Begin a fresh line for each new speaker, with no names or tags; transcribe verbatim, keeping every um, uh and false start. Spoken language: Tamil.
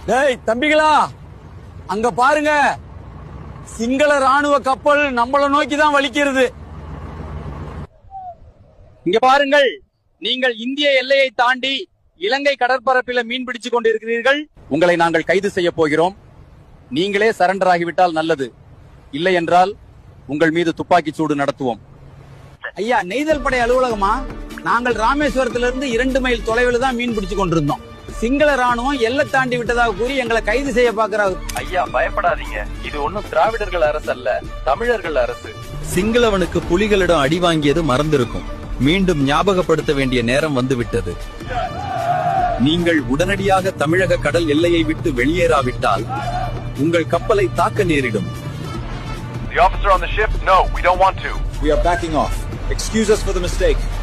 டேய் தம்பிகளா, அங்க பாருங்க, சிங்கள ராணுவ கப்பல் நம்மள நோக்கி தான் வலிக்கிறது. இங்க பாருங்கள், நீங்கள் இந்திய எல்லையை தாண்டி இலங்கை கடற்பரப்பில மீன் பிடிச்சு கொண்டிருக்கிறீர்கள். உங்களை நாங்கள் கைது செய்ய போகிறோம். நீங்களே சரண்டர் ஆகிவிட்டால் நல்லது, இல்லை என்றால் உங்கள் மீது துப்பாக்கி சூடு நடத்துவோம். ஐயா, நெய்தல் படை அலுவலகமா? நாங்கள் ராமேஸ்வரத்திலிருந்து இரண்டு மைல் தொலைவில் தான் மீன் பிடிச்சு கொண்டிருந்தோம். சிங்கள ராணுவம் எல்லை தாண்டி விட்டதாக கூறி எங்களை கைது செய்ய பாக்குறாங்க.
ஐயா, பயப்படாதீங்க, இது ஒன்னும் திராவிடர்கள் அரசு அல்ல, தமிழர்கள் அரசு.
சிங்களவனுக்கு புலிகளிடம் அடி வாங்கியது மறந்திருக்கும். மீண்டும் ஞாபகப்படுத்த வேண்டிய நேரம் வந்துவிட்டது. நீங்கள் உடனடியாக தமிழக கடல் எல்லையை விட்டு வெளியேறாவிட்டால் உங்கள் கப்பலை தாக்க நேரிடும்.
The officer on the ship, no, we don't want to.
We are backing off. Excuse us for the mistake.